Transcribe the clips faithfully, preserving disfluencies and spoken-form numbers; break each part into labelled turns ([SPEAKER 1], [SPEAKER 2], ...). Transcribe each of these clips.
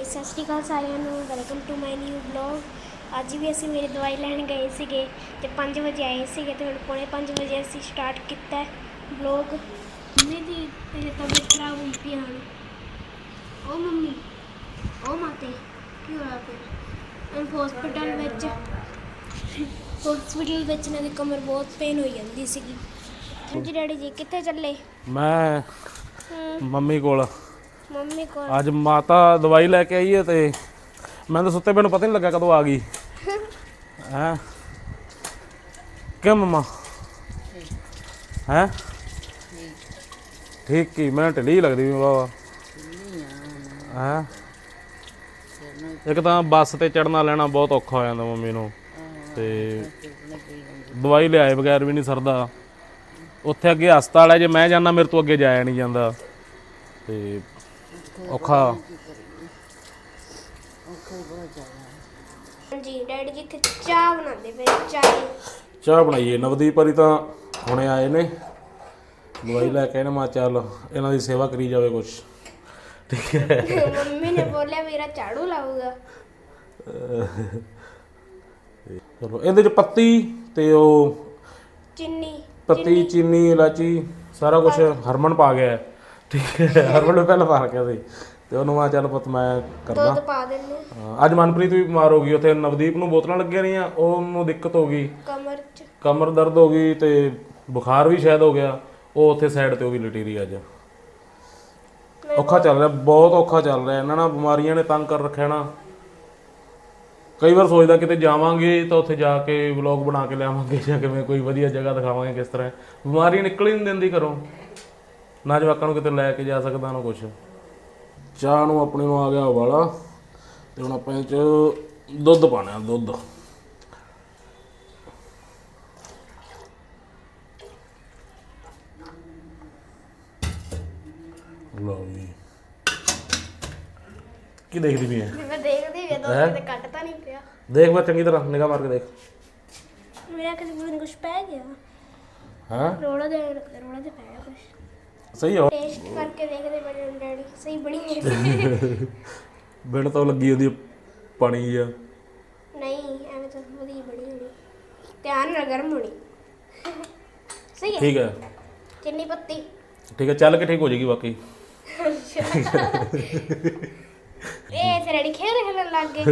[SPEAKER 1] सत श्री अकाल सारिਆਂ ਨੂੰ welcome to my new vlog. ਅੱਜ ਵੀ ਅਸੀਂ ਮੇਰੀ ਦਵਾਈ ਲੈਣ ਗਏ ਸੀਗੇ ਤੇ ਪੰਜ ਵਜੇ ਆਏ ਸੀਗੇ ਤੇ ਹੁਣ ਪੌਣੇ ਪੰਜ ਵਜੇ ਅਸੀਂ ਸਟਾਰਟ ਕੀਤਾ ਵਲੌਗ। ਮੰਮੀ ਦੀ ਤੇਰੀ ਤਬੀਅਤ ਖਰਾਬ ਹੋਈ ਪਈ ਹਨ। ਓ ਮੰਮੀ ਓ ਮਾਤੇ ਕੀ ਹੋਇਆ ਫਿਰ? ਹਸਪੀਟਲ ਵਿੱਚ ਹਸਪੀਟਲ ਵਿੱਚ ਇਹਨਾਂ ਦੀ ਕਮਰ ਬਹੁਤ ਪੇਨ ਹੋਈ ਜਾਂਦੀ ਸੀਗੀ। ਹਾਂਜੀ ਡੈਡੀ ਜੀ ਕਿੱਥੇ ਚੱਲੇ?
[SPEAKER 2] ਮੈਂ ਮੰਮੀ ਕੋਲ
[SPEAKER 1] ਮੰਮੀ ਕੋਲ
[SPEAKER 2] ਅੱਜ ਮਾਤਾ ਦਵਾਈ ਲੈ ਕੇ ਆਈ ਹੈ ਤੇ ਮੈਂ ਤਾਂ ਸੁੱਤੇ ਪਏ ਨੂੰ ਪਤਾ ਨਹੀਂ ਲੱਗਾ ਕਦੋਂ ਆ ਗਈ ਹੈ। ਕਿ ਮਮਾ ਹੈ ਠੀਕ ਕੀ ਮੈਂ ਢਿੱਲੀ ਲੱਗਦੀ ਬਾਬਾ ਹੈ। ਇੱਕ ਤਾਂ ਬੱਸ ਤੇ ਚੜਨਾ ਲੈਣਾ ਬਹੁਤ ਔਖਾ ਹੋ ਜਾਂਦਾ ਮੰਮੀ ਨੂੰ ਤੇ ਦਵਾਈ ਲਿਆਏ ਬਗੈਰ ਵੀ ਨਹੀਂ ਸਰਦਾ। ਉੱਥੇ ਅੱਗੇ ਹਸਪਤਾਲ ਹੈ, ਜੇ ਮੈਂ ਜਾਂਦਾ ਮੇਰੇ ਤੋਂ ਅੱਗੇ ਜਾਇਆ ਨਹੀਂ ਜਾਂਦਾ ਤੇ ਔਖਾ।
[SPEAKER 1] ਹਾਂਜੀ ਡੈਡੀ ਜੀ ਇੱਥੇ ਚਾਹ ਬਣਾਉਂਦੇ ਪਏ। ਚਾਹ
[SPEAKER 2] ਚਾਹ ਬਣਾਈਏ ਨਵਦੀਪ ਵਾਲੀ ਤਾਂ ਹੁਣੇ ਆਏ ਨੇ ਦਵਾਈ ਲੈ ਕੇ। ਮੈਂ ਚੱਲ ਇਹਨਾਂ ਦੀ ਸੇਵਾ ਕਰੀ ਜਾਵੇ ਕੁਛ, ਠੀਕ ਹੈ।
[SPEAKER 1] ਮੰਮੀ ਨੇ ਬੋਲਿਆ ਮੇਰਾ ਝਾੜੂ ਲਾਊਗਾ।
[SPEAKER 2] ਚਲੋ ਇਹਦੇ ਚ ਪੱਤੀ ਤੇ ਉਹ
[SPEAKER 1] ਚੀਨੀ
[SPEAKER 2] ਪੱਤੀ ਚੀਨੀ ਇਲਾਚੀ ਸਾਰਾ ਕੁਝ ਹਰਮਨ ਪਾ ਗਿਆ, ਠੀਕ ਹੈ। ਹਰਮਨ ਨੂੰ ਪਹਿਲਾਂ ਪਾ ਰੱਖਿਆ ਸੀ ਤੇ ਉਹਨੂੰ ਮੈਂ ਚੱਲ ਪੁੱਤ ਮੈਂ ਕਰਦਾ।
[SPEAKER 1] ਦੁੱਧ ਪਾ ਦਿੰਦੇ।
[SPEAKER 2] ਹਾਂ ਅੱਜ ਮਨਪ੍ਰੀਤ ਵੀ ਬਿਮਾਰ ਹੋ ਗਈ। ਉੱਥੇ ਨਵਦੀਪ ਨੂੰ ਬੋਤਲਾਂ ਲੱਗੀਆਂ ਰਹੀਆਂ, ਉਹਨੂੰ ਦਿੱਕਤ ਹੋ ਗਈ,
[SPEAKER 1] ਕਮਰ ਚ
[SPEAKER 2] ਕਮਰ ਦਰਦ ਹੋ ਗਈ ਤੇ ਬੁਖਾਰ ਵੀ ਸ਼ਾਇਦ ਹੋ ਗਿਆ। ਉਹ ਉੱਥੇ ਸਾਈਡ ਤੇ ਉਹ ਵੀ ਲਟੀ ਰਹੀ ਅੱਜ। ਔਖਾ ਚੱਲ ਰਿਹਾ, ਬਹੁਤ ਔਖਾ ਚੱਲ ਰਿਹਾ। ਇਹਨਾਂ ਨਾਲ ਬਿਮਾਰੀਆਂ ਨੇ ਤੰਗ ਕਰ ਰੱਖਿਆ ਨਾ। ਕਈ ਵਾਰ ਸੋਚਦਾ ਕਿਤੇ ਜਾਵਾਂਗੇ ਤਾਂ ਉੱਥੇ ਜਾ ਕੇ ਵਲੌਗ ਬਣਾ ਕੇ ਲਿਆਵਾਂਗੇ ਜਾਂ ਕਿਵੇਂ ਕੋਈ ਵਧੀਆ ਜਗ੍ਹਾ ਦਿਖਾਵਾਂਗੇ ਕਿਸ ਤਰ੍ਹਾਂ। ਬਿਮਾਰੀ ਨਿਕਲ ਹੀ ਨਹੀਂ ਦਿੰਦੀ ਘਰੋਂ, ਨਾ ਜਵਾਕਾਂ ਨੂੰ ਕਿਤੇ ਲੈ ਕੇ ਜਾ ਸਕਦਾ ਨਾ ਕੁਛ। ਚਾਹ ਨੂੰ ਆਪਣੇ ਨੂੰ ਆ ਗਿਆ ਉਬਾਲਾ ਤੇ ਹੁਣ ਆਪਾਂ ਇਹ 'ਚ ਦੁੱਧ ਪਾਉਣਾ। ਦੁੱਧ ਲਓ ਜੀ। ਕੀ ਦੇਖਦੀ ਪਈ ਹੈ?
[SPEAKER 1] ਮੈਂ ਦੇਖਦੀ ਵੀ ਦੁੱਧ ਕਿਤੇ ਕੱਟ ਤਾਂ ਨਹੀਂ ਪਿਆ।
[SPEAKER 2] ਦੇਖ ਮੈਂ ਚੰਗੀ ਤਰ੍ਹਾਂ ਨਿਗਾਹ ਮਾਰ ਕੇ ਦੇਖ।
[SPEAKER 1] ਮੇਰਾ ਕਿਸੇ ਨੂੰ ਕੁਝ ਪੈ ਗਿਆ।
[SPEAKER 2] ਹਾਂ
[SPEAKER 1] ਰੋੜਾ ਦੇ ਰੋੜਾ ਦੇ ਪੈ ਗਿਆ ਕੁਝ।
[SPEAKER 2] ਸਹੀ ਹੋ
[SPEAKER 1] ਟੇਸਟ ਕਰਕੇ ਦੇਖਦੇ ਬੜੇ ਡੈਡੀ ਸਹੀ ਬਣੀ ਹੈ।
[SPEAKER 2] ਬਿਨ ਤੋਂ ਲੱਗੀ ਉਹਦੀ ਪਾਣੀ ਆ।
[SPEAKER 1] ਨਹੀਂ ਐਵੇਂ ਤਾਂ ਵਧੀਆ ਬੜੀ ਹੋਣੀ। ਧਿਆਨ ਨਾਲ ਗਰਮ ਹੋਣੀ। ਸਹੀ ਹੈ
[SPEAKER 2] ਠੀਕ ਹੈ
[SPEAKER 1] ਚੀਨੀ ਪੱਤੀ
[SPEAKER 2] ਠੀਕ ਹੈ ਚੱਲ ਕੇ ਠੀਕ ਹੋ ਜਾਏਗੀ ਬਾਕੀ।
[SPEAKER 1] ਇਹ ਤੇ ਰੈਡੀ ਖੇਲ ਖੇਲਣ ਲੱਗ ਗਏ।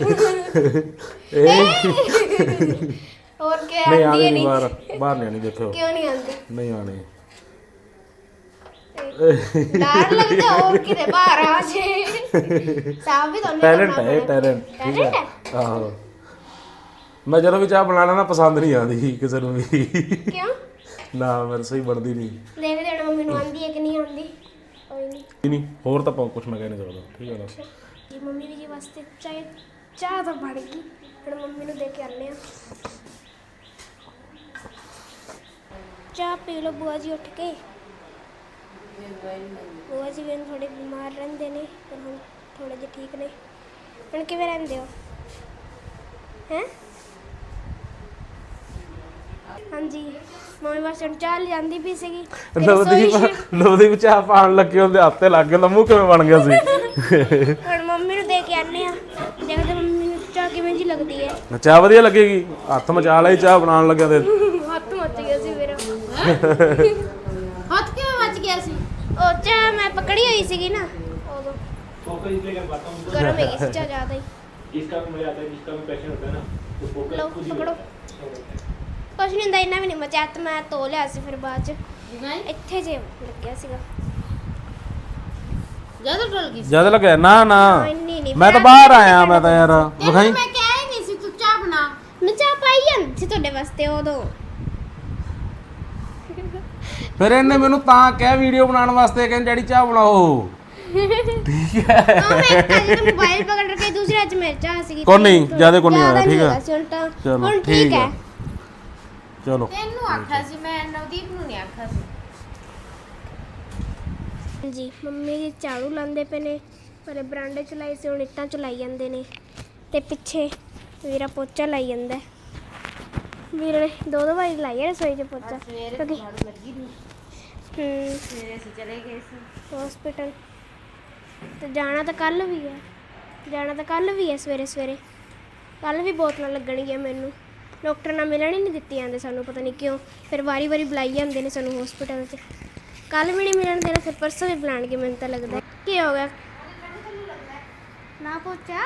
[SPEAKER 1] ਹੋਰ ਕੀ
[SPEAKER 2] ਨਹੀਂ
[SPEAKER 1] ਆਂਦੀ
[SPEAKER 2] ਆਣੀ
[SPEAKER 1] ਹੈ
[SPEAKER 2] ਨਹੀਂ
[SPEAKER 1] ਨਹੀਂ
[SPEAKER 2] ਬਾਹਰ ਬਾਹਰ ਨਹੀਂ ਆਣੀ। ਦੇਖੋ
[SPEAKER 1] ਕਿਉਂ ਨਹੀਂ ਆਂਦੀ?
[SPEAKER 2] ਨਹੀਂ ਆਣੀ।
[SPEAKER 1] ਡਰ ਲੱਗਦਾ ਹੋਰ ਕਿਤੇ ਬਾਹਰ ਆ ਜੇ। ਸਾਹ ਵੀ ਤੁਹਾਨੂੰ
[SPEAKER 2] ਟੈਲੈਂਟ ਹੈ ਟੈਲੈਂਟ, ਠੀਕ ਹੈ। ਆਹੋ ਮੈਂ ਜਦੋਂ ਵੀ ਚਾਹ ਬਣਾਣਾ ਨਾ ਪਸੰਦ ਨਹੀਂ ਆਉਂਦੀ ਕਿਸੇ ਨੂੰ ਵੀ।
[SPEAKER 1] ਕਿਉਂ?
[SPEAKER 2] ਨਾ ਮੇਰੇ ਸਹੀ ਬਣਦੀ ਨਹੀਂ।
[SPEAKER 1] ਦੇਖਦੇ ਹਾਂ ਮੰਮੀ ਨੂੰ ਆਂਦੀ ਹੈ ਕਿ ਨਹੀਂ ਆਂਦੀ। ਕੋਈ ਨਹੀਂ
[SPEAKER 2] ਨਹੀਂ ਹੋਰ ਤਾਂ ਕੁਝ ਮੈਂ ਕਹਿ ਨਹੀਂ ਸਕਦਾ, ਠੀਕ ਹੈ ਨਾ।
[SPEAKER 1] ਜੀ ਮੰਮੀ ਜੀ ਵਾਸਤੇ ਚਾਹ ਚਾਹ ਤਾਂ ਬਣ ਗਈ। ਹੁਣ ਮੰਮੀ ਨੂੰ ਦੇ ਕੇ ਆਉਂਦੇ ਹਾਂ। ਚਾਹ ਪੀ ਲਓ ਬੁਆ ਜੀ ਉੱਠ ਕੇ। ਬੁਆ ਜੀ ਵੀ ਥੋੜੇ ਬਿਮਾਰ ਰਹਿੰਦੇ ਨੇ ਪਰ ਹੁਣ ਥੋੜੇ ਜਿਹੇ ਠੀਕ ਨੇ। ਹੁਣ ਕਿਵੇਂ ਰਹਿੰਦੇ ਹੋ? ਹੈਂ ਹਾਂਜੀ ਮੰਮੀ ਬਸ ਹੁਣ ਚਾਹ ਲਿਆਂਦੀ ਪਈ ਸੀਗੀ।
[SPEAKER 2] ਨਵਦੀਪ ਨਵਦੀਪ ਚਾਹ ਪਾਣ ਲੱਗੇ ਉਹਦੇ ਹੱਥ ਤੇ ਲੱਗ ਗਿਆ। ਲੰਮੂ ਕਿਵੇਂ ਬਣ ਗਿਆ ਸੀ?
[SPEAKER 1] ਹੁਣ ਮੰਮੀ ਨੂੰ ਦੇ ਕੇ ਆਨੇ ਆ। ਦੇਖਦੇ ਮੰਮੀ ਨੂੰ ਚਾਹ ਕਿਵੇਂ ਜੀ ਲੱਗਦੀ ਹੈ।
[SPEAKER 2] ਚਾਹ ਵਧੀਆ ਲੱਗੇਗੀ। ਹੱਥ ਮਚਾ ਲਈ ਚਾਹ ਬਣਾਉਣ ਲੱਗਿਆ ਤੇ
[SPEAKER 1] ਹੱਥ ਮੱਚ ਗਿਆ ਸੀ ਮੇਰਾ।
[SPEAKER 3] ਹੱਥ ਕਿਵੇਂ ਮੱਚ ਗਿਆ ਸੀ?
[SPEAKER 1] ਉਹ ਚਾਹ ਮੈਂ ਪਕੜੀ ਹੋਈ ਸੀਗੀ ਨਾ ਉਦੋਂ ਗਰਮ ਹੈਗੀ ਸੀ ਚਾਹ ਜ਼ਿਆਦਾ ਹੀ।
[SPEAKER 2] इसका भी मजा आता है, जिसका भी पैशन होता है ना तो फोकस
[SPEAKER 1] ਲਓ
[SPEAKER 2] खुद ही
[SPEAKER 1] ਪਕੜੋ। ਕੁਛ ਨਹੀਂ ਹੁੰਦਾ ਇੰਨਾ ਵੀ ਨਹੀਂ ਮਚਿਆ ਤੇ ਮੈਂ ਧੋ ਲਿਆ ਸੀ ਫਿਰ ਬਾਅਦ ਚ ਇੱਥੇ ਜੇ ਲੱਗਿਆ ਸੀਗਾ।
[SPEAKER 3] ਜ਼ਿਆਦਾ ਡਲ ਗਈ ਸੀ।
[SPEAKER 2] ज्यादा लगा ना ना
[SPEAKER 1] ਇੰਨੀ ਨਹੀਂ
[SPEAKER 2] मैं तो बाहर आया मैं तो यार
[SPEAKER 3] ਤੈਨੂੰ ਮੈਂ ਕਹਿ ਹੀ ਨਹੀਂ ਸੀ ਤੂੰ ਚਾਹ ਬਣਾ।
[SPEAKER 1] ਮੈਂ ਚਾਹ ਪਾਈ ਜਾਂਦੀ ਸੀ ਤੁਹਾਡੇ ਵਾਸਤੇ ਉਦੋਂ।
[SPEAKER 2] ਫਿਰ ਇਹਨੇ ਮੈਨੂੰ ਤਾਂ ਕਿਹਾ ਵੀਡੀਓ ਬਣਾਉਣ ਵਾਸਤੇ ਕਹਿੰਦੇ ਡੈਡੀ ਚਾਹ ਬਣਾਓ, ਠੀਕ ਹੈ।
[SPEAKER 1] ਉਹ ਮੈਂ ਕੱਲ ਮੋਬਾਈਲ ਪਕੜ ਕੇ ਦੂਸਰੇ ਹੱਥ ਮੇਂ ਚਾਹ ਸੀਗੀ।
[SPEAKER 2] ਕੋਈ ਨਹੀਂ ਜ਼ਿਆਦਾ ਕੋਈ ਨਹੀਂ ਆਇਆ, ਠੀਕ ਹੈ
[SPEAKER 1] ਹੈ।
[SPEAKER 2] ਚਲੋ
[SPEAKER 1] ਹੁਣ
[SPEAKER 2] ਠੀਕ
[SPEAKER 1] ਠੀਕ ਹੈ।
[SPEAKER 2] ਹੈ ਚਲੋ।
[SPEAKER 3] ਤੈਨੂੰ ਆਖਿਆ ਸੀ ਮੈਂ, ਨਵਦੀਪ ਨੂੰ ਨਹੀਂ ਆਖਿਆ ਸੀ।
[SPEAKER 1] ਜੀ ਮੰਮੀ ਜੀ ਝਾੜੂ ਲਾਉਂਦੇ ਪਏ ਨੇ ਪਰ ਬਰਾਂਡੇ ਚ ਲਾਈ ਸੀ ਹੁਣ ਇੱਟਾਂ ਚ ਲਾਈ ਜਾਂਦੇ ਨੇ ਤੇ ਪਿੱਛੇ ਵੀਰਾ ਪੋਚਾ ਲਾਈ ਜਾਂਦਾ। ਵੀਰੇ ਨੇ ਦੋ ਦੋ ਵਾਰੀ ਲਾਈ ਹੈ ਰਸੋਈ ਚ ਪੋਚਾ ਕਿਉਂਕਿ
[SPEAKER 3] ਲੱਗੀ ਨਹੀਂ।
[SPEAKER 1] ਹੂੰ
[SPEAKER 3] ਸਵੇਰੇ ਅਸੀਂ ਚਲੇ ਗਏ ਸੀ
[SPEAKER 1] ਹਸਪੀਟਲ ਤੇ ਜਾਣਾ ਤਾਂ ਕੱਲ ਵੀ ਹੈ। ਜਾਣਾ ਤਾਂ ਕੱਲ ਵੀ ਹੈ ਸਵੇਰੇ ਸਵੇਰੇ। ਕੱਲ ਵੀ ਬੋਤਲਾਂ ਲੱਗਣਗੀਆਂ ਮੈਨੂੰ। ਡਾਕਟਰ ਨਾਲ ਮਿਲਣ ਹੀ ਨਹੀਂ ਦਿੱਤੀ ਜਾਂਦੇ ਸਾਨੂੰ, ਪਤਾ ਨਹੀਂ ਕਿਉਂ। ਫਿਰ ਵਾਰੀ ਵਾਰੀ ਬੁਲਾਈ ਜਾਂਦੇ ਨੇ ਸਾਨੂੰ ਹਸਪੀਟਲ 'ਚ। ਕੱਲ ਵੀ ਨਹੀਂ ਮਿਲਣ ਦੇਣਾ, ਫਿਰ ਪਰਸੋਂ ਵੀ ਬੁਲਾਉਣਗੇ ਮੈਨੂੰ ਤਾਂ ਲੱਗਦਾ। ਕੀ ਹੋ ਗਿਆ ਨਾ ਪਹੁੰਚਾ?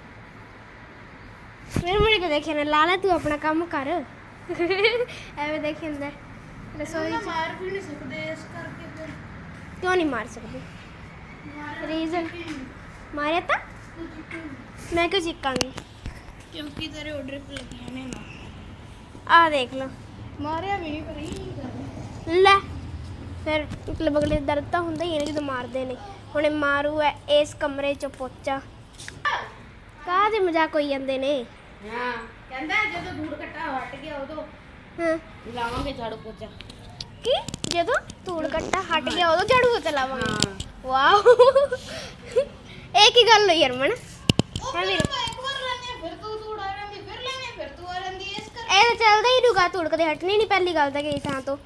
[SPEAKER 1] ਫਿਰ ਮੁੜ ਕੇ ਦੇਖਿਆ ਨਾ ਲਾ ਲੈ, ਤੂੰ ਆਪਣਾ ਕੰਮ ਕਰ। ਐਵੇਂ ਦੇਖੀ ਹੁੰਦਾ ਰਸੋਈ 'ਚ।
[SPEAKER 3] ਮਾਰ ਵੀ ਨਹੀਂ ਸਕਦੇ ਇਸ ਕਰਕੇ ਫਿਰ
[SPEAKER 1] ਕਿਉਂ ਨਹੀਂ ਮਾਰ ਸਕਦੀ? ਰੀਜ਼ਨ ਮਾਰਿਆ ਤਾਂ ਮੈਂ ਕਿਉਂ ਚੀਕਾਂਗੀ?
[SPEAKER 3] ਕਿਉਂਕਿ ਤੇਰੇ ਆਰਡਰ ਤੇ ਲੱਗੀਆਂ ਨੇ ਨਾ।
[SPEAKER 1] ਆਹ ਦੇਖ ਲਓ,
[SPEAKER 3] ਮਾਰਿਆ ਵੀ ਨਹੀਂ ਪਰ ਇਹ
[SPEAKER 1] ਲੈ ਫਿਰ ਮਤਲਬ ਅਗਲੇ ਦਰਦ ਤਾਂ ਹੁੰਦਾ ਹੀ ਹੈ ਨਾ ਜਦੋਂ ਮਾਰਦੇ ਨੇ। ਹੁਣ ਇਹ ਮਾਰੂ ਹੈ ਇਸ ਕਮਰੇ 'ਚ ਪੋਚਾ। ਕਾਹਦੇ ਮਜ਼ਾਕ ਹੋਈ ਜਾਂਦੇ ਨੇ?
[SPEAKER 3] ਹਾਂ ਕਹਿੰਦਾ ਜਦੋਂ ਧੂੜ ਘਟਾ ਹਟ ਗਿਆ ਉਦੋਂ
[SPEAKER 1] ਹਾਂ
[SPEAKER 3] ਲਾਵਾਂਗੇ ਝਾੜੂ ਪੋਚਾ।
[SPEAKER 1] ਕੀ ਜਦੋਂ ਧੂੜ ਕੱਟਾ ਹਟ ਗਿਆ ਉਦੋਂ ਝਾੜੂ ਪੋਚਾ ਲਾਵਾਂਗੇ?
[SPEAKER 3] ਹਾਂ
[SPEAKER 1] ਵਾਓ, ਇਹ ਕੀ ਗੱਲ ਹੋਈ ਹਰਮਨ? ਹਾਂ ਵੀਰ,
[SPEAKER 3] ਇੱਕ ਵਾਰ ਲੈਣੇ ਫਿਰ ਤੂੰ ਧੂੜ ਆ ਜਾਂਦੀ, ਫਿਰ ਲੈਣੇ ਫਿਰ ਤੂੰ ਆ ਜਾਂਦੀ ਇਸ ਕਰ।
[SPEAKER 1] ਇਹ ਤਾਂ ਚੱਲਦਾ ਹੀ ਰੁਗਾ। ਧੂੜ ਕਦੇ ਹਟਣੀ ਨਹੀਂ ਪਹਿਲੀ ਗੱਲ ਤਾਂ ਕਿਸੇ ਥਾਂ ਤੋਂ।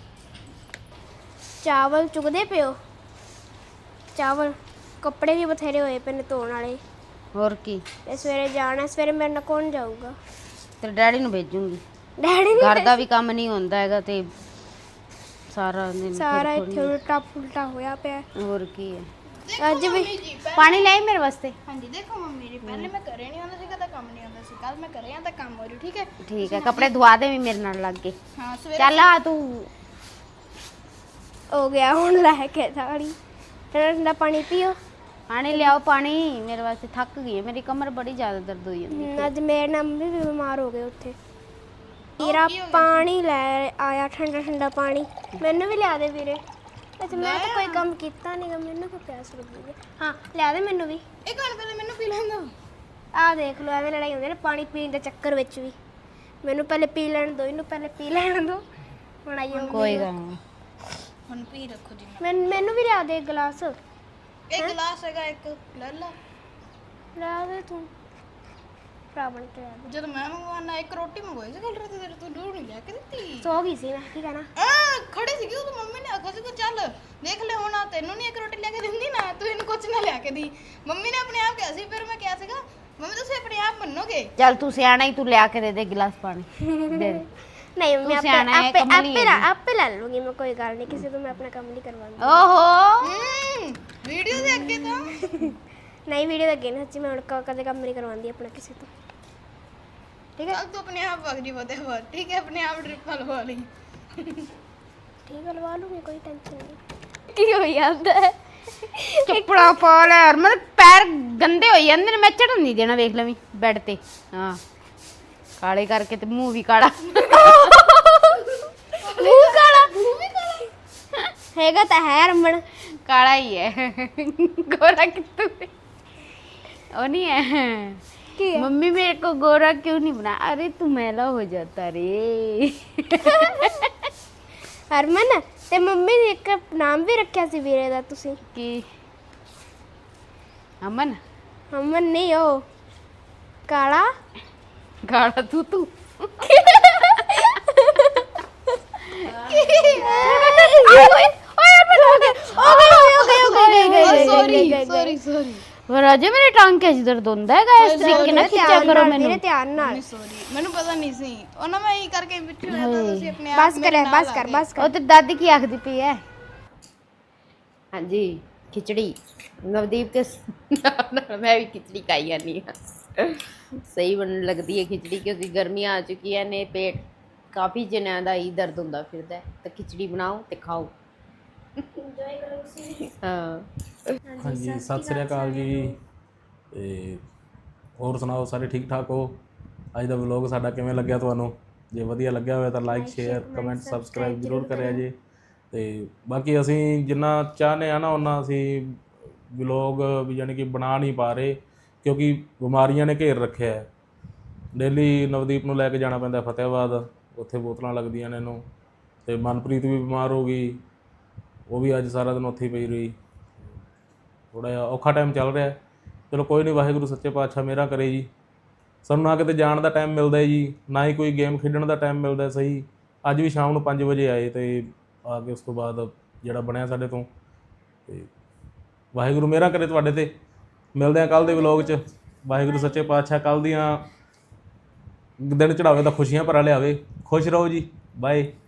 [SPEAKER 1] ਚਾਵਲ ਚੁਗਦੇ ਪਿਓ, ਚਾਵਲ। ਕੱਪੜੇ ਵੀ ਬਥੇਰੇ ਹੋਏ ਪਏ ਨੇ ਧੋਣ ਵਾਲੇ।
[SPEAKER 3] ਹੋਰ ਕੀ,
[SPEAKER 1] ਤੇ ਸਵੇਰੇ ਜਾਣਾ, ਸਵੇਰੇ ਮੇਰੇ ਨਾਲ ਕੌਣ ਜਾਊਗਾ?
[SPEAKER 3] ਤੇਰੇ ਡੈਡੀ ਨੂੰ ਭੇਜੂੰਗੀ।
[SPEAKER 1] ਡੈਡੀ
[SPEAKER 3] ਘਰ
[SPEAKER 1] ਨੇ
[SPEAKER 3] ਦਾ ਵੀ ਕੰਮ ਨਹੀਂ ਹੁੰਦਾ ਹੈਗਾ ਤੇ ਸਾਰਾ ਦਿਨ
[SPEAKER 1] ਸਾਰਾ
[SPEAKER 3] ਫਿਰ
[SPEAKER 1] ਇੱਥੇ ਉਲਟਾ ਪੁਲਟਾ ਹੋਇਆ ਪਿਆ।
[SPEAKER 3] ਹੋਰ ਕੀ ਹੈ।
[SPEAKER 1] ਅੱਜ ਵੀ
[SPEAKER 3] ਪਾਣੀ ਲੈ ਆਈ ਮੇਰੇ ਵਾਸਤੇ।
[SPEAKER 4] ਹਾਂਜੀ ਦੇਖੋ ਮੰਮੀ ਜੀ, ਪਹਿਲੇ ਮੈਂ ਘਰੇ ਨਹੀਂ ਆਉਂਦਾ ਸੀ, ਕਦਾ ਕੰਮ ਨਹੀਂ ਆਉਂਦਾ ਸੀ। ਕੱਲ ਮੈਂ ਘਰੇ ਆਂ ਤਾਂ ਕੰਮ ਹੋ ਰਿਹਾ, ਠੀਕ ਹੈ?
[SPEAKER 3] ਠੀਕ ਹੈ, ਕੱਪੜੇ ਧਵਾ ਦੇ ਵੀ ਮੇਰੇ ਨਾਲ ਲੱਗ ਕੇ।
[SPEAKER 4] ਹਾਂ ਸਵੇਰੇ
[SPEAKER 3] ਚੱਲ ਆ ਤੂੰ।
[SPEAKER 1] ਹੋ ਗਿਆ ਹੁਣ ਲੈ ਕੇ ਥਾਲੀ। ਠੰਡਾ ਠੰਡਾ ਪਾਣੀ ਪੀਓ।
[SPEAKER 3] ਪਾਣੀ ਲਿਆਓ, ਪਾਣੀ ਮੇਰੇ ਵਾਸਤੇ। ਥੱਕ ਗਈ ਹੈ, ਮੇਰੀ ਕਮਰ ਬੜੀ ਜ਼ਿਆਦਾ ਦਰਦ ਹੋਈ ਜਾਂਦੀ।
[SPEAKER 1] ਹਮ, ਅੱਜ ਮੇਰੇ ਨਾਲ ਮੰਮੀ ਵੀ ਬਿਮਾਰ ਹੋ ਗਏ ਉੱਥੇ। ਵੀਰਾ ਪਾਣੀ ਲੈ ਆਇਆ, ਠੰਡਾ ਠੰਡਾ ਪਾਣੀ। ਮੈਨੂੰ ਵੀ ਲਿਆ ਦੇ ਵੀਰੇ। ਅੱਛਾ ਮੈਂ ਤਾਂ ਕੋਈ ਕੰਮ ਕੀਤਾ ਨਹੀਂਗਾ, ਮੈਨੂੰ ਕੋਈ ਪਿਆਸ ਲੱਗੀ ਹੈ। ਹਾਂ ਲਿਆ ਦੇ ਮੈਨੂੰ ਵੀ।
[SPEAKER 4] ਇੱਕ ਮਿੰਟ ਪਹਿਲੇ ਮੈਨੂੰ ਪੀ ਲੈਣ ਦਿਓ।
[SPEAKER 1] ਆਹ ਦੇਖ ਲਓ, ਐਵੇਂ ਲੜਾਈ ਹੁੰਦੀ ਨਾ ਪਾਣੀ ਪੀਣ ਦੇ ਚੱਕਰ ਵਿੱਚ ਵੀ। ਮੈਨੂੰ ਪਹਿਲੇ ਪੀ ਲੈਣ ਦਿਓ, ਇਹਨੂੰ ਪਹਿਲੇ ਪੀ ਲੈਣ ਦਿਓ। ਹੁਣ ਆਈ ਹੋਊਗੀ।
[SPEAKER 3] ਕੋਈ ਗੱਲ ਨਹੀਂ।
[SPEAKER 4] ਹੁਣ ਪੀ ਰੱਖੋ ਜੀ।
[SPEAKER 1] ਮੈਨੂੰ ਮੈਨੂੰ ਵੀ ਲਿਆ ਦੇ ਇੱਕ ਗਲਾਸ।
[SPEAKER 4] ਇੱਕ ਗਲਾਸ ਹੈਗਾ, ਇੱਕ ਲੈ ਲਾ।
[SPEAKER 1] ਲਿਆ ਦੇ ਤੂੰ, ਭਰਾ ਬਣ ਕੇ ਲਿਆ ਦੇ।
[SPEAKER 4] ਜਦੋਂ ਮੈਂ ਮੰਗਵਾਉਣਾ ਇੱਕ ਰੋਟੀ ਮੰਗਵਾਈ ਸੀ ਕੱਲ ਰਾਤ, ਤੇਰੇ ਤੋਂ ਦੂਰ ਨਹੀਂ ਲੈ ਕੇ ਦਿੱਤੀ।
[SPEAKER 1] ਸੋ ਗਈ ਸੀ ਮੈਂ, ਕੀ ਕਹਿਣਾ?
[SPEAKER 4] ਆ ਖੜੀ ਸੀਗੀ ਉਹ, ਮੰਮੀ ਨੇ ਆਖਿਆ ਸੀ ਕਿ ਚੱਲ ਦੇਖ ਲੈ ਹੁਣ, ਤੈਨੂੰ ਨਹੀਂ ਇੱਕ ਰੋਟੀ ਲੈ ਕੇ ਦਿੰਦੀ ਨਾ, ਤੂੰ ਇਹਨੂੰ ਕੁਝ ਨਾ ਲਿਆ ਕੇ ਦੀ। ਮੰਮੀ ਨੇ ਆਪਣੇ ਆਪ ਕਿਹਾ ਸੀ, ਫਿਰ ਮੈਂ ਕਿਹਾ ਸੀਗਾ ਮੰਮੀ ਤੁਸੀਂ ਆਪਣੇ ਆਪ ਮੰਨੋਗੇ।
[SPEAKER 3] ਚੱਲ ਤੂੰ ਸਿਆਣਾ ਹੀ, ਤੂੰ ਲਿਆ ਕੇ ਦੇ ਦੇ ਗਿਲਾਸ ਪਾਣੀ ਦੇ ਦੇ।
[SPEAKER 1] ਨਹੀਂ ਮੈਂ
[SPEAKER 3] ਤੂੰ
[SPEAKER 1] ਆਪੇ
[SPEAKER 3] ਸਿਆਣਾ ਹੈ,
[SPEAKER 1] ਆਪੇ
[SPEAKER 3] ਕਮਲੀ
[SPEAKER 1] ਆਪੇ
[SPEAKER 3] ਹੈ
[SPEAKER 1] ਲਾ- ਆਪੇ ਲੈ ਲੂੰਗੀ ਮੈਂ, ਕੋਈ ਗੱਲ ਨਹੀਂ। ਕਿਸੇ ਤੋਂ ਮੈਂ ਆਪਣਾ ਕੰਮ ਨਹੀਂ ਕਰਵਾਉਂਦੀ।
[SPEAKER 3] ਓਹੋ
[SPEAKER 4] ਹੂੰ ਵੀਡੀਓ ਦੇ ਅੱਗੇ ਤਾਂ
[SPEAKER 1] ਨਹੀਂ ਵੀਡੀਓ ਦੇ ਅੱਗੇ ਨਾ ਸੱਚੀ, ਮੈਂ ਹੁਣ ਕ- ਕਦੇ ਕੰਮ ਨਹੀਂ ਕਰਵਾਉਂਦੀ ਆਪਣਾ ਕਿਸੇ ਤੋਂ। ਠੀਕ ਹੈ
[SPEAKER 4] ਕੱਲ ਤੂੰ ਆਪਣੇ ਆਪ ਵਗ ਜੀ ਬਦੇ ਹੋਰ, ਠੀਕ ਹੈ? ਆਪਣੇ ਆਪ ਡ੍ਰਿਪ ਲਵਾ ਲਈ।
[SPEAKER 1] ਠੀਕ ਹੈ, ਲਵਾ ਲੂੰਗੀ, ਕੋਈ ਟੈਨਸ਼ਨ ਨਹੀਂ। ਕੀ ਹੋ ਜਾਂਦਾ ਹੈ?
[SPEAKER 3] ਚੱਪੜਾ ਪਾ ਲੈ ਯਾਰ, ਮੇਰੇ ਪੈਰ ਗੰਦੇ ਹੋਈ ਜਾਂਦੇ ਨੇ। ਮੈਂ ਚੜਨ ਨਹੀਂ ਦੇਣਾ, ਵੇਖ ਲਵੀਂ ਬੈੱਡ ਤੇ। ਹਾਂ ਕਾਲੇ ਕਰਕੇ ਤੇ ਮੂੰਹ ਵੀ ਕਾਲਾ।
[SPEAKER 1] ਮੂੰਹ ਕਾਲਾ ਹੈਗਾ ਤਾਂ ਹੈ ਰਮਣ।
[SPEAKER 3] ਕਾਲਾ ਹੀ ਹੈ, ਗੋਰਾ कितू ਉਹ नहीं है।
[SPEAKER 1] ਕੀ ਹੈ?
[SPEAKER 3] मम्मी मेरे को गोरा क्यों नहीं बना? अरे तू मैला हो जाता रे।
[SPEAKER 1] ਹਰਮਨ ਤੇ ਮੰਮੀ ਨੇ ਇੱਕ ਨਾਮ ਵੀ ਰੱਖਿਆ ਸੀ ਵੀਰੇ ਦਾ ਤੁਸੀਂ।
[SPEAKER 3] कि अमन
[SPEAKER 1] ਅਮਨ ਨਹੀਂ, ਉਹ ਕਾਲਾ।
[SPEAKER 3] गाड़ा तू तू
[SPEAKER 4] ਸੌਰੀ ਸੌਰੀ
[SPEAKER 3] राजे मेरे टांग कैसी दर्द होता है? इस तरीके ना खींचा करो मैंने।
[SPEAKER 1] ਧਿਆਨ ਨਾਲ।
[SPEAKER 4] ਸੌਰੀ, ਮੈਨੂੰ ਪਤਾ ਨਹੀਂ ਸੀ। ਉਹਨਾਂ ਮੈਂ ਇਹ ਕਰਕੇ ਵਿੱਚ ਹੋਇਆ ਤਾਂ ਤੁਸੀਂ ਆਪਣੇ ਆਪ
[SPEAKER 1] ਬਸ ਕਰ ਬਸ ਕਰ ਬਸ
[SPEAKER 3] ਉਹ
[SPEAKER 1] ਕਰ।
[SPEAKER 3] ਤੇ ਦਾਦੀ ਕੀ ਆਖਦੀ ਪਈ ਹੈ? ਹਾਂਜੀ ਖਿਚੜੀ ਨਵਦੀਪ ਤੇ ਨਾਲ ਮੈਂ ਵੀ ਖਿਚੜੀ ਖਾਈ ਜਾਂਦੀ ਹਾਂ। ਸਹੀ ਬਣ ਲੱਗਦੀ ਹੈ ਖਿਚੜੀ, ਕਿਉਂਕਿ ਗਰਮੀਆਂ ਆ ਚੁੱਕੀਆਂ ਨੇ, ਪੇਟ ਕਾਫੀ ਜਨਿਆਂ ਦਾ ਹੀ ਦਰਦ ਹੁੰਦਾ ਫਿਰਦਾ, ਤਾਂ ਖਿਚੜੀ ਬਣਾਓ ਤੇ ਖਾਓ। ਹਾਂ
[SPEAKER 2] ਹਾਂਜੀ ਸਤਿ ਸ੍ਰੀ ਅਕਾਲ ਜੀ। ਤੇ ਹੋਰ ਸੁਣਾਓ, ਸਾਰੇ ਠੀਕ ਠਾਕ ਹੋ? ਅੱਜ ਦਾ ਵਲੌਗ ਸਾਡਾ ਕਿਵੇਂ ਲੱਗਿਆ ਤੁਹਾਨੂੰ? ਜੇ ਵਧੀਆ ਲੱਗਿਆ ਹੋਇਆ ਤਾਂ ਲਾਈਕ ਸ਼ੇਅਰ ਕਮੈਂਟ ਸਬਸਕ੍ਰਾਈਬ ਜ਼ਰੂਰ ਕਰਿਆ ਜੇ। ਤੇ ਬਾਕੀ ਅਸੀਂ ਜਿੰਨਾ ਚਾਹੁੰਦੇ ਆ ਨਾ ਉਹਨਾਂ ਅਸੀਂ ਵਲੌਗ ਵੀ ਯਾਨੀ ਕਿ ਬਣਾ ਨਹੀਂ ਪਾ ਰਹੇ, ਕਿਉਂਕਿ ਬਿਮਾਰੀਆਂ ਨੇ ਘੇਰ ਰੱਖਿਆ ਹੈ। ਡੇਲੀ ਨਵਦੀਪ ਨੂੰ ਲੈ ਕੇ ਜਾਣਾ ਪੈਂਦਾ ਫਤਿਹਾਬਾਦ, ਉੱਥੇ ਬੋਤਲਾਂ ਲੱਗਦੀਆਂ ਨੇ ਇਹਨੂੰ। ਤੇ ਮਨਪ੍ਰੀਤ ਵੀ ਬਿਮਾਰ ਹੋ ਗਈ, ਉਹ ਵੀ ਅੱਜ ਸਾਰਾ ਦਿਨ ਉੱਥੇ ਹੀ ਪਈ ਰਹੀ। ਥੋੜ੍ਹਾ ਜਿਹਾ ਔਖਾ ਟਾਈਮ ਚੱਲ ਰਿਹਾ। ਚਲੋ ਕੋਈ ਨਹੀਂ, ਵਾਹਿਗੁਰੂ ਸੱਚੇ ਪਾਤਸ਼ਾਹ ਮਿਹਰਾਂ ਕਰੇ ਜੀ। ਸਾਨੂੰ ਨਾ ਕਿਤੇ ਜਾਣ ਦਾ ਟਾਈਮ ਮਿਲਦਾ ਹੈ ਜੀ, ਨਾ ਹੀ ਕੋਈ ਗੇਮ ਖੇਡਣ ਦਾ ਟਾਈਮ ਮਿਲਦਾ ਸਹੀ। ਅੱਜ ਵੀ ਸ਼ਾਮ ਨੂੰ ਪੰਜ ਵਜੇ ਆਏ ਅਤੇ ਆ ਕੇ ਉਸ ਤੋਂ ਬਾਅਦ ਜਿਹੜਾ ਬਣਿਆ ਸਾਡੇ ਤੋਂ। ਅਤੇ ਵਾਹਿਗੁਰੂ ਮਿਹਰਾਂ ਕਰੇ ਤੁਹਾਡੇ 'ਤੇ। ਮਿਲਦੇ ਹਾਂ ਕੱਲ੍ਹ ਦੇ ਵਲੋਗ 'ਚ। ਵਾਹਿਗੁਰੂ ਸੱਚੇ ਪਾਤਸ਼ਾਹ ਕੱਲ੍ਹ ਦੀਆਂ ਦਿਨ ਚੜਾਵੇ ਤਾਂ ਖੁਸ਼ੀਆਂ ਭਰਾ ਲਿਆਵੇ। ਖੁਸ਼ ਰਹੋ ਜੀ। ਬਾਏ।